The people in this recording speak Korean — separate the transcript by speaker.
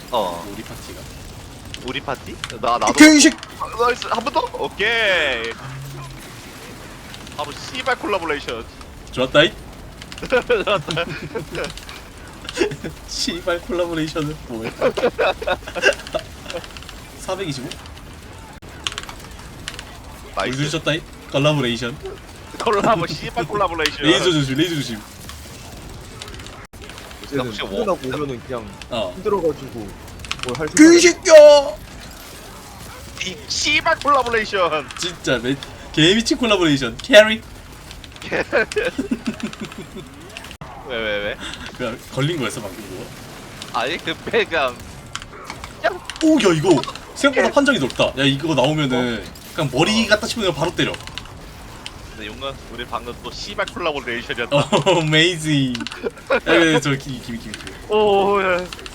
Speaker 1: 우리 파티가.
Speaker 2: 우리 파티? 나도.
Speaker 1: 오케이 이 새끼.
Speaker 2: 나이스. 한 번 더? 오케이. 바로 씨발 콜라보레이션.
Speaker 1: 좋았다이. 씨발 콜라보레이션은 뭐야? 425?
Speaker 2: 나이스.
Speaker 1: 올려주셨다이. 콜라보레이션.
Speaker 2: 콜라보 씨발 콜라보레이션.
Speaker 1: 레이저 조심, 레이저 조심.
Speaker 3: 요새는
Speaker 2: 혹시 뭐-
Speaker 3: 끝나고 오면은 그냥
Speaker 1: 어.
Speaker 3: 힘들어가지고 뭘 할
Speaker 1: 그
Speaker 3: 생각.
Speaker 1: 새끼야.
Speaker 2: 이 씨발 콜라보레이션.
Speaker 1: 진짜 개미친 콜라보레이션. 캐리.
Speaker 2: 왜?
Speaker 1: 그냥 걸린 거였어 방금 그거.
Speaker 2: 아니 그 그냥
Speaker 1: 오, 야 이거 생각보다 판정이 넓다. 야 이거 나오면은 그냥 머리 갖다 치면 바로 때려.
Speaker 2: 근데 용건 우리 방금 또 씨발 콜라보레이션이었다.
Speaker 1: 어, 메이징. 야, 저 김이.
Speaker 2: 오, 야.